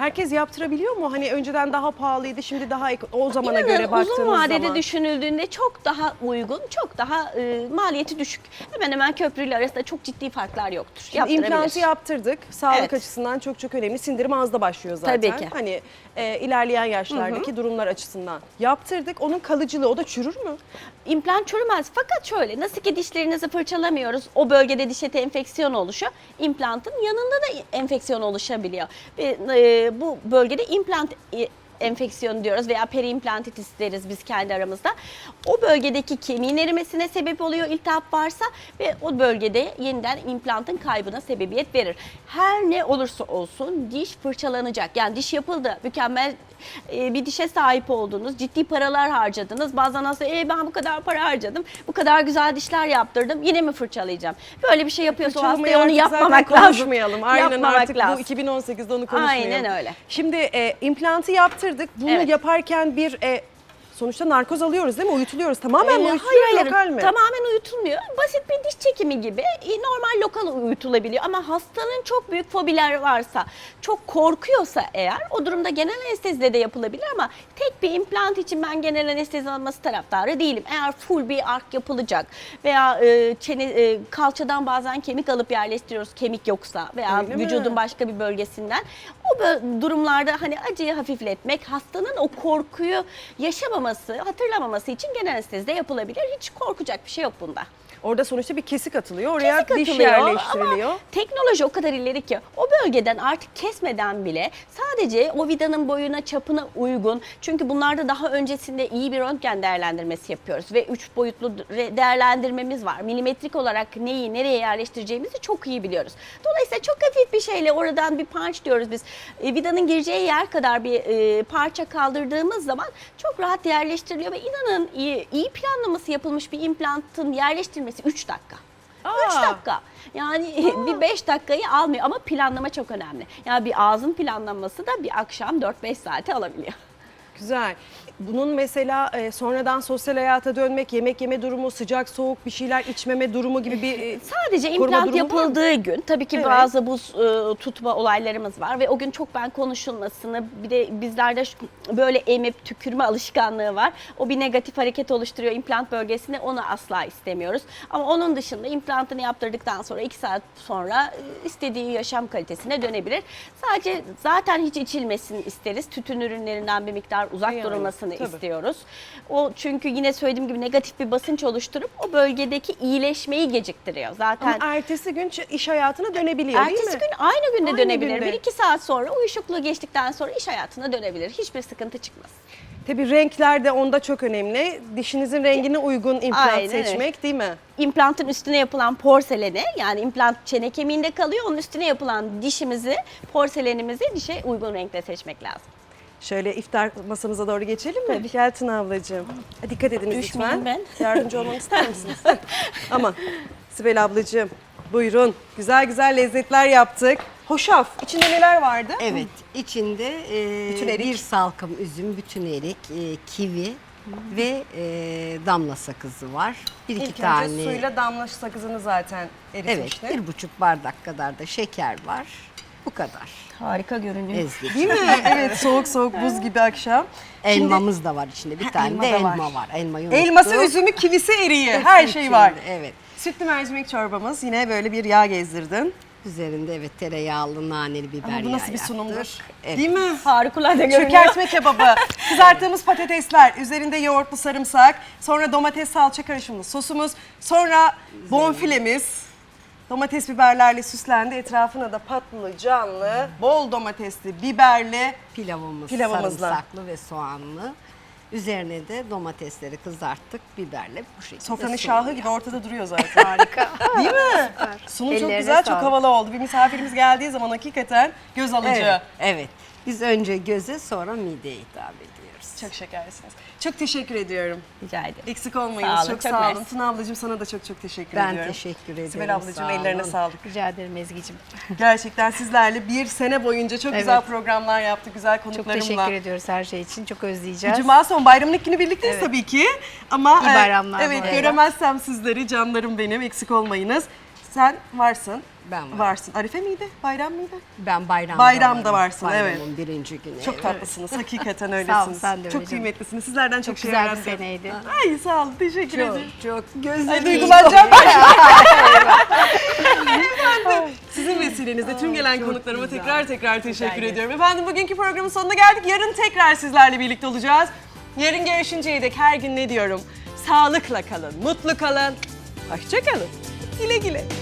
Herkes yaptırabiliyor mu? Hani önceden daha pahalıydı, şimdi daha o zamana İnanın göre baktığınız uzun vadede zaman. düşünüldüğünde çok daha uygun, çok daha maliyeti düşük. Hemen hemen köprüyle arasında çok ciddi farklar yoktur. Şimdi implantı yaptırdık. Sağlık Evet. açısından çok çok önemli. Sindirim ağızda başlıyor zaten. Tabii ki. Hani ilerleyen yaşlardaki durumlar açısından. Yaptırdık. Onun kalıcılığı, o da çürür mü? İmplant çürümez fakat şöyle, nasıl ki dişlerinizi fırçalamıyoruz, o bölgede diş eti enfeksiyon oluşuyor, implantın yanında da enfeksiyon oluşabiliyor. Ve bu bölgede implant enfeksiyonu diyoruz veya periimplantitis deriz biz kendi aramızda. O bölgedeki kemiğin erimesine sebep oluyor iltihap varsa ve o bölgede yeniden implantın kaybına sebebiyet verir. Her ne olursa olsun diş fırçalanacak. Yani diş yapıldı, mükemmel bir dişe sahip oldunuz, ciddi paralar harcadınız. Bazen aslında ben bu kadar para harcadım, bu kadar güzel dişler yaptırdım, yine mi fırçalayacağım? Böyle bir şey yapıyorsa o hastaya onu yapmamak lazım. Konuşmayalım. Aynen, Yapmamak artık lazım. bu 2018'de onu konuşmayalım. Aynen öyle. Şimdi implantı yaptırdık. Bunu Evet. yaparken bir sonuçta narkoz alıyoruz değil mi? Uyutuluyoruz. Tamamen mi Hayır, uyutuluyor, lokal mi? tamamen uyutulmuyor. Basit bir diş çekimi gibi normal lokal uyutulabiliyor. Ama hastanın çok büyük fobiler varsa, çok korkuyorsa eğer o durumda genel anestezide de yapılabilir ama tek bir implant için ben genel anestezi alması taraftarı değilim. Eğer full bir ark yapılacak veya kalçadan bazen kemik alıp yerleştiriyoruz kemik yoksa veya Öyle mi? vücudun başka bir bölgesinden o durumlarda hani acıyı hafifletmek, hastanın o korkuyu yaşamaması, hatırlamaması için genel anestezide yapılabilir. Hiç korkacak bir şey yok bunda. Orada sonuçta bir kesik atılıyor. Oraya Kesik diş atılıyor yerleştiriliyor. ama teknoloji o kadar ileri ki o bölgeden artık kesmeden bile sadece o vidanın boyuna, çapına uygun. Çünkü bunlarda daha öncesinde iyi bir röntgen değerlendirmesi yapıyoruz ve 3 boyutlu değerlendirmemiz var. Milimetrik olarak neyi nereye yerleştireceğimizi çok iyi biliyoruz. Dolayısıyla çok hafif bir şeyle oradan bir punch diyoruz biz. Vidanın gireceği yer kadar bir parça kaldırdığımız zaman çok rahat yerleştiriliyor ve inanın iyi planlaması yapılmış bir implantın yerleştirilmesi 3 dakika. 3 dakika. Yani bir 5 dakikayı almıyor ama planlama çok önemli. Yani bir ağzın planlanması da bir akşam 4-5 saate alabiliyor. Güzel. Bunun mesela sonradan sosyal hayata dönmek, yemek yeme durumu, sıcak soğuk bir şeyler içmeme durumu gibi bir Sadece koruma implant durumu var mı? yapıldığı gün tabii ki Evet. bazı buz tutma olaylarımız var ve o gün çok konuşulmasını, bir de bizlerde böyle emip tükürme alışkanlığı var. O bir negatif hareket oluşturuyor implant bölgesinde, onu asla istemiyoruz. Ama onun dışında implantını yaptırdıktan sonra 2 saat sonra istediği yaşam kalitesine dönebilir. Sadece zaten hiç içilmesini isteriz. Tütün ürünlerinden bir miktar uzak Yani, durulmasını tabii. istiyoruz. O çünkü yine söylediğim gibi negatif bir basınç oluşturup o bölgedeki iyileşmeyi geciktiriyor. Zaten ama ertesi gün iş hayatına dönebiliyor değil mi? ertesi gün aynı günde Aynı dönebilir. günde. 1-2 saat sonra uyuşukluğu geçtikten sonra iş hayatına dönebilir. Hiçbir sıkıntı çıkmaz. Tabii renkler de onda çok önemli. Dişinizin rengine uygun implant Aynen öyle. seçmek değil mi? İmplantın üstüne yapılan porseleni, yani implant çene kemiğinde kalıyor. Onun üstüne yapılan dişimizi, porselenimizi dişe uygun renkte seçmek lazım. Şöyle iftar masamıza doğru geçelim mi? Tabii. Gel Tuna ablacığım. Dikkat ediniz Düşmeyeyim lütfen. ben. Yardımcı olmamı ister misiniz? Aman. Sibel ablacığım buyurun. Güzel güzel lezzetler yaptık. Hoşaf. İçinde neler vardı? Evet, içinde Bütün erik. bir salkım üzüm, bütün erik, kivi ve damla sakızı var. Bir iki İlk tane. önce suyla damla sakızını zaten Evet, eritmişti. 1,5 bardak kadar da şeker var. Bu kadar. Harika görünüyor. Ezdik. Değil mi? Evet, soğuk soğuk buz gibi akşam. Elmamız da var içinde. Bir tane elma de da elma var. Elmayı unuttum. Elması, üzümü, kivisi, eriği. Hepsi Her şey var. içinde, Evet. Sütlü mercimek çorbamız. Yine böyle bir yağ gezdirdin. Üzerinde evet tereyağlı, naneli biber Ama bu yağı nasıl bir yaptık. sunumdur? Evet. Değil mi? Harikulade görünüyor. Çökertme kebabı, kızarttığımız patatesler, üzerinde yoğurtlu sarımsak, sonra domates salça karışımlı sosumuz, sonra bonfilemiz, domates biberlerle süslendi. Etrafına da patlıcanlı, bol domatesli, biberli Pilavımız sarımsaklı ve soğanlı. Üzerine de domatesleri kızarttık biberle bu şekilde. sofranın sunum şahı gibi yaptık. ortada duruyor zaten. Harika. Değil mi? Sunum çok Ellerine güzel, çok sağlık. havalı oldu. Bir misafirimiz geldiği zaman hakikaten göz alıcı. Evet, evet. Biz önce göze sonra mideye hitap ediyoruz. Çok şekersiniz. Çok teşekkür ediyorum. Rica ederim. Eksik olmayınız. Sağ olun, çok çok sağ olun. mersi. Tuna ablacığım sana da çok teşekkür Ben ediyorum. teşekkür ederim. Sibel ablacığım sağ ellerine olun. sağlık. Rica ederim Ezgi'cim. Gerçekten sizlerle bir sene boyunca çok güzel Evet. programlar yaptık. Güzel Çok konuklarımla. teşekkür ediyoruz her şey için. Çok özleyeceğiz. Cuma son bayramın ilk günü birlikteyiz Evet. tabii ki. Ama İyi bayramlar bu evet arada. göremezsem sizleri canlarım benim eksik olmayınız. Sen varsın. Ben varım. varsın. Arife miydi? Bayram mıydı? Ben bayramda Bayramda varım. varsın, evet. Bayramın birinci günü. Çok evet. tatlısınız. Hakikaten öylesiniz. Sağ ol, sen de öyle çok canım. kıymetlisiniz. Sizlerden çok, Çok şey güzel bir öğrendim. seneydi. Ay sağ olun. Teşekkür Çok ederim. çok gözlerim. Ay duygulanacağım ben. Efendim, sizin vesilenizle tüm gelen çok konuklarıma güzel. tekrar teşekkür ediyorum. Efendim bugünkü programın sonuna geldik. Yarın tekrar sizlerle birlikte olacağız. Yarın görüşünceye dek her gün ne diyorum? Sağlıkla kalın, mutlu kalın, hoşça kalın. Güle güle.